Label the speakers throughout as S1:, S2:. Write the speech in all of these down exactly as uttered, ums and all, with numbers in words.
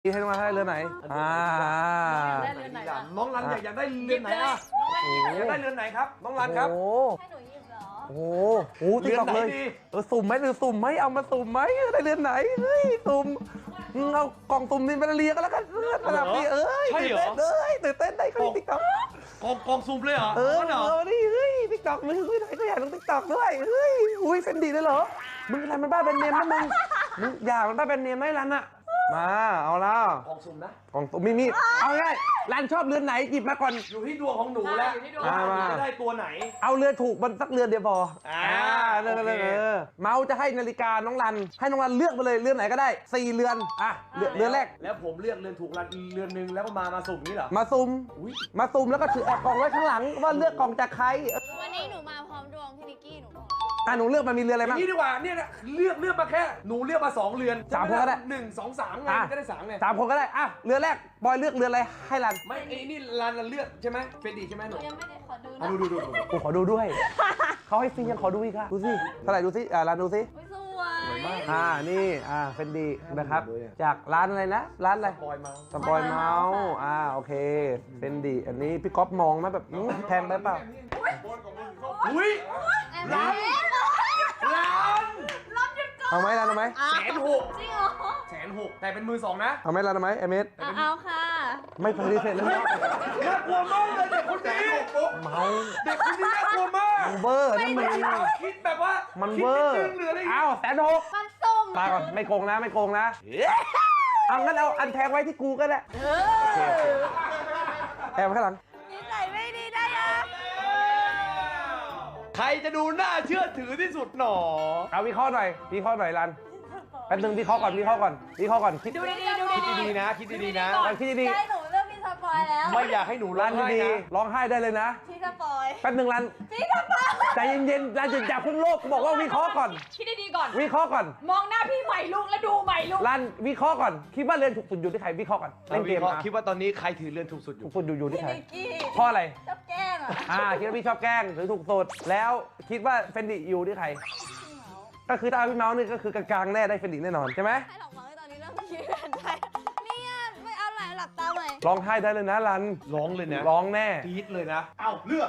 S1: ให้น้องรันได้เรือไหนอ่า
S2: ได้เรือนไหนล่ะ
S3: น้องรันอยากอยากได้เรือนไหนอ่ะอยากได้เรือนไหนครับน้องรันครับ
S1: โอ้
S2: ให้หนูหยิบเหรอ
S1: โหโอ้โหติ๊กต็อกเลยเออสุ่มไหมหรือสุ่มไหมเอามาสุ่มไหมได้เรือนไหนเฮ้ยสุ่มเอากล่องสุ่มนินไปเรียกันแล้วกันระดับนี้เอ้ยตื่นเต้นเลยตื่นเต้นได้ก็ติ๊กต็อก
S3: กองกองซูมเลยเหรอ
S1: เออ
S3: เหรอ
S1: เออนี่เฮ้ยติ๊กต็อกมึงเฮ้ยไหนก็อยากลงติ๊กต็อกด้วยเฮ้ยอุ้ยเฟนดีด้วยเหรอมึงอะไรมันบ้าแบรนด์เนมนะมึงมึงอย่ามันบ้าแบรนด์เนมไม่รันอะมาเอาแล้ว
S3: กองซูมนะ
S1: กล่องสุ่มมีมีเอาง่ายรันชอบเรือนไหนหยิบมาก่อน
S3: อยู่ที่ดวงของหนูแล้ว
S2: อยู่ที่ดวง
S3: ว่าหนู
S1: มา
S3: จะได้ตัวไหน
S1: เอาเรือถูกมันสักเรือนเดียวพอ
S3: อ่า
S1: เรือเรือ
S3: โอเค
S1: เออเมาส์จะให้นาฬิกาน้องรันให้น้องรันเลือกไปเลยเรือนไหนก็ได้สี่เรือนอ่ะเรือนเรือนแรก
S3: แล้วผมเลือกเรือนถูกรันเรือนหนึ่งแล้วก็มามาสุ่มนี่เหรอ
S1: มาซุ่ม
S3: อุ้ย
S1: มาซุ่มแล้วก็ถือแอบกล่องไว้ข้างหลังว่าเลือกกล่องจากใครเออ
S2: วันนี้หนูมาพร้อมดวงพี่นิกกี้หนูบอก
S1: อ่ะหนูเลือกมามีเรือนอะไร
S3: อย่า
S1: บ้าง
S3: งนี้ดีกว่าเนี่ยนะเลือกเลือกมาแค่หนูเลือกมาสองเรือน
S1: สามคนก็ได้
S3: หนึ่งสองสามไง
S1: อ่ะ
S3: ก็ได้สามไง
S1: สามคนก็ได้อ่ะเรือนแรกบอยเลือกเรือนอะไรให้รัน
S3: ไม่ไอ้นี่รันเลือกใช่ไหมเฟรดดี้ใช่ไหม
S2: ห
S3: ห
S2: นู
S3: นู
S2: ยังไม่ได้ขอดู
S3: อ่ะ
S2: นะ
S3: ดูดูดูดู
S1: กูขอดูด้วย เขาให้ฟรียังขอดูอีกค่ะดูสิเท่าไหร่ดูสิอ่ารันดูสิ
S2: อุ๊ยสวย
S1: อ่านี่อ่าเฟนดีนะครับ จากร้านอะไรนะร้านอะไร
S3: ปล่อยมา
S1: สปอยเมาส์อ่าโอเคเฟนดีอันนี้พี่ก๊อฟมองไหมแบบอื้อแพงไปเปล่า
S3: อุ้ย
S2: ร้าน
S3: ล้าน
S2: ร้านหยุดก่อน
S1: เอาไหมรันเอาไหม
S3: แสนหก
S2: จริงเหรอ
S3: แสนหกแต่เป็นมือสองนะ
S1: เอาไหมรันเอาไหมเอเมส
S2: อ่ะเอาค่ะ
S1: ไม่ปฏิเสธเลย
S3: น่ากลัวมากเลยเด็กคนนี้
S1: เมา
S3: เด็กคนนี้น่ากลัวมาก
S1: เวอร์นั่นมึง
S3: คิดแบบว่า
S1: มัน
S3: คิ
S1: เว
S3: ด
S1: อร์
S3: นิดนึงหรืออะไรอย่างเงี้ย
S1: อ้าวแสนหก
S2: มันสุ่ม
S1: ตายก่อนไม่โกงนะไม่โกงนะเอางั้นเอาอันแพงไว้ที่กูก็ได้
S2: เออ
S1: แอบไว้ข้างหลัง
S2: นิสัยไม่ดีได้ยัง
S3: ใครจะดูน่าเชื่อถือที่สุดหนอ
S1: เอาวิเคราะห์หน่อยวิเคราะห์หน่อยรันแป๊บนึงวิเคราะห์ก่อนวิเคราะห์ก่อนวิเคราะห์ก่อนคิด
S2: ดูดีๆดู
S3: คิด
S2: ดี
S3: ดีๆนะ คิดดีๆนะ
S1: รันคิดดี
S2: ใช่หนูเลือกพี่สปอยแล้ว
S3: ไม่อยากให้หนู
S1: ๆ
S3: ร้
S1: รั
S3: อน งไห้
S1: ดี
S3: นะ
S1: ๆร้องไห้ได้เลยนะ
S2: พี่สปอย
S1: แป๊บนึงรัน
S2: พี่สปอย
S1: ใจเย็นๆรันจะจับขึ้นโลกกูบอกว่าวิเคราะห์ก่อน
S4: คิดดีๆก่อน
S1: วิเคราะห์ก่อน
S4: มองหน้าพี่ใหม่ลุกแล้วดูใหม่ลุก
S1: รันวิเคราะห์ก่อนคิดว่าเรียนถูกสุดอยู่ที่ใครวิเคราะห์ก่อนเล่นเกม
S3: วิคราะห์
S1: นะ
S3: คิดว่าตอนนี้ใครถือเรือนถูกสุดอยู่
S1: ถูกสุดอยู่อยู่ที่
S2: พี่
S1: ใคร
S2: นิกกี้
S1: เพราะอะไร
S2: ชอบแกล้งอ่ะ
S1: อ่าคิดว่าพี่ชอบแกล้งหรือถูกสุดแล้วคิดว่าเฟนดิอยู่ที่ใคร ก็คือถ้าเอาพี่เมาส์นี่ก็คือกลางๆแน่ได้เฟนดิแน่นอนใช่ไหม
S2: ให้ดอกไม้ตอนนี้เริ่มคิดกันได้เนี่ยไม่เอาไหนหลับตาใหม่
S1: ร้องไห้ได้เลยนะรัน
S3: ร้องเลยนะ
S1: ร้องแน่
S3: กรี๊ดเลยนะ เอ้าเลือก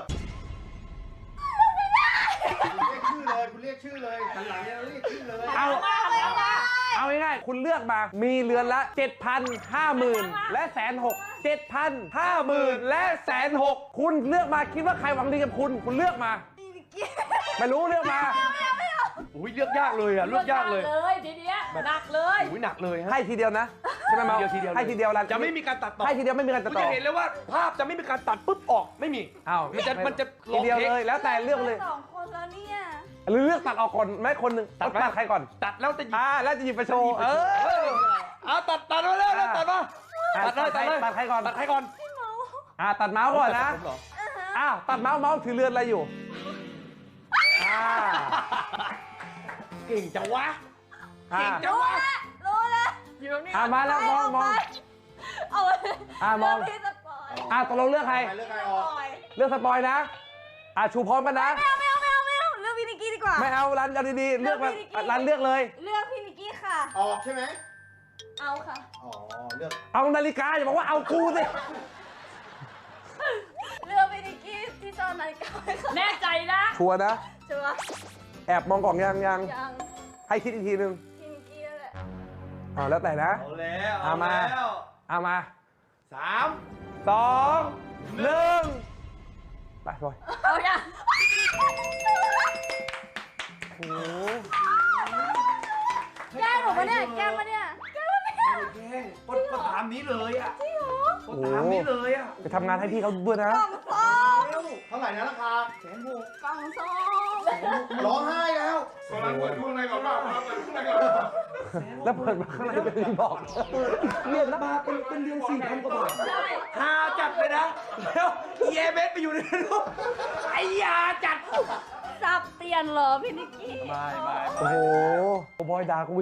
S5: คุณเรียกชื่อเลยคุณเรียกชื่อเลยหันหลังเนี่ยเรียกชื่อเลย
S1: เอา เอาง่ายๆคุณเลือกมา มีเรือนละ เจ็ดพันห้าหมื่น และแสนหกเจ็ดพันห้าหมื่นและแสนหกคุณเลือกมาคิดว่าใครหวังดีกับคุณ คุณเลือกมา
S2: พี่นิกกี้
S1: ไม่รู้เลือกมา
S3: อุ้ยเลือกยากเลยอ่ะ เลือกยากเลย
S4: เลยทีเนี้ยหนักเลย
S3: อุ้ยหนักเลยฮะ
S1: ให้ทีเดียวนะใช่ไหมเมา
S3: ทีเดียวทีเดียว
S1: ให้ทีเดียวรัน
S3: จะไม่มีการตัดต่อ
S1: ให้ทีเดียวไม่มีการตัด
S3: คุณ
S1: ต่อ
S3: จะเห็นเลยว่าภาพจะไม่มีการตัดปุ๊บออกไม่มี
S1: อ้าว
S3: มันจะมันจะ
S1: ทีเดียว
S3: ลองเทค
S1: เลยแล้วแต่เลือกเลย
S2: สองคนแล้วเนี่ย
S1: หรือเลือกตัดออกก่อนไหมคนหนึ่ง
S3: ตัดไหม
S1: ตัดใครก่อน
S3: ตัดแล้วจะหยิบ
S1: อ่าแล้วจะหยิบไปโชว์เอ
S3: เอ
S1: อ
S3: อเอาตัดตัดมาแล้วแล้วตัดมา
S1: อ่ะ
S3: ตัดเลยตัดเลย
S1: ตัดใครก่อน
S3: ตัดใครก่อน
S1: อ่าตัดเมาส์ก่อนนะ
S3: ผมเหรอ
S1: อ้าวตัดเมาส์เมาส์ถือเรือนอะไรอยู่อ่า
S3: เก่งจังวะ
S1: อ่า
S3: เก่งจังวะ
S2: รู้แล้ว
S4: อยู่ตรงนี้
S1: อ่ามาแล้วมองมอง
S2: เอาไป
S1: อ่ะมอง
S2: เลืกพี่สปอย
S1: อ่าตกลงเลือกใคร
S5: ใครเลือกใครออก
S1: เลือกสปอยนะอ่าชูพร้อมกันนะ
S2: ไม่เอาไม่เอาไม่เอาไม่เอาเลือกพี่นิกกี้ดีกว่า
S1: ไม่เอารันเอาดีๆเลือกมา
S2: เลือกพี่นิกกี้
S1: รันเลือกเลย
S2: เลือกพี่นิกกี้ค่ะ
S5: ออกใช่ไหม
S2: เอาค่ะ
S5: อ๋อ เลือก
S1: เอานาฬิกาอย่าบอกว่าเอากูสิ
S2: เลือกพี่นิกกี้ที่ซ่อนนาฬิกาไว้ค่ะ
S4: แน่ใจนะ
S1: ชัวร์นะ
S2: ชัวร์
S1: แอบมองกล่องยังยัง
S2: ยัง
S1: ให้คิดอีกทีนึง
S2: พี่นิกกี้นั่นแหละ
S1: อ่าแล้วแต่นะ
S3: เอาแล้ว
S1: เอามา
S3: แล้ว
S1: เอามา
S3: สาม
S1: สองหนึ่งไปบอย
S4: เอาอย่า
S1: โอ้โห
S2: แกล้งหนูปะเนี่ยแกล้งปะเนี่ยแกล้งปะเนี่ย
S3: แย่งก็ก็ตามนี้เลยอ่ะ
S2: จริงเหรอ
S3: ก็ตามนี้เลยอ่ะ
S1: ไปทำงานให้พี่เขาด้วยนะ
S2: กล่องส้ม
S5: เท่าไหร่นะราคาแสนหก
S2: กล่องส้ม
S5: ร้องไห้แล้ว
S1: แล้วเปิดมาข้างในเป็นรีบอกเรียนนะ
S3: มาเป็นเป็นเดือนสี่พันกว่าบาทฮาจัดเลยนะ แล้วเอเบสไปอยู่ในนั้นลูกไอ้ยาจัด
S2: สับเตียนเหรอพี่นิกกี้
S3: บายบาย
S1: โอ้โหบอยด่ากู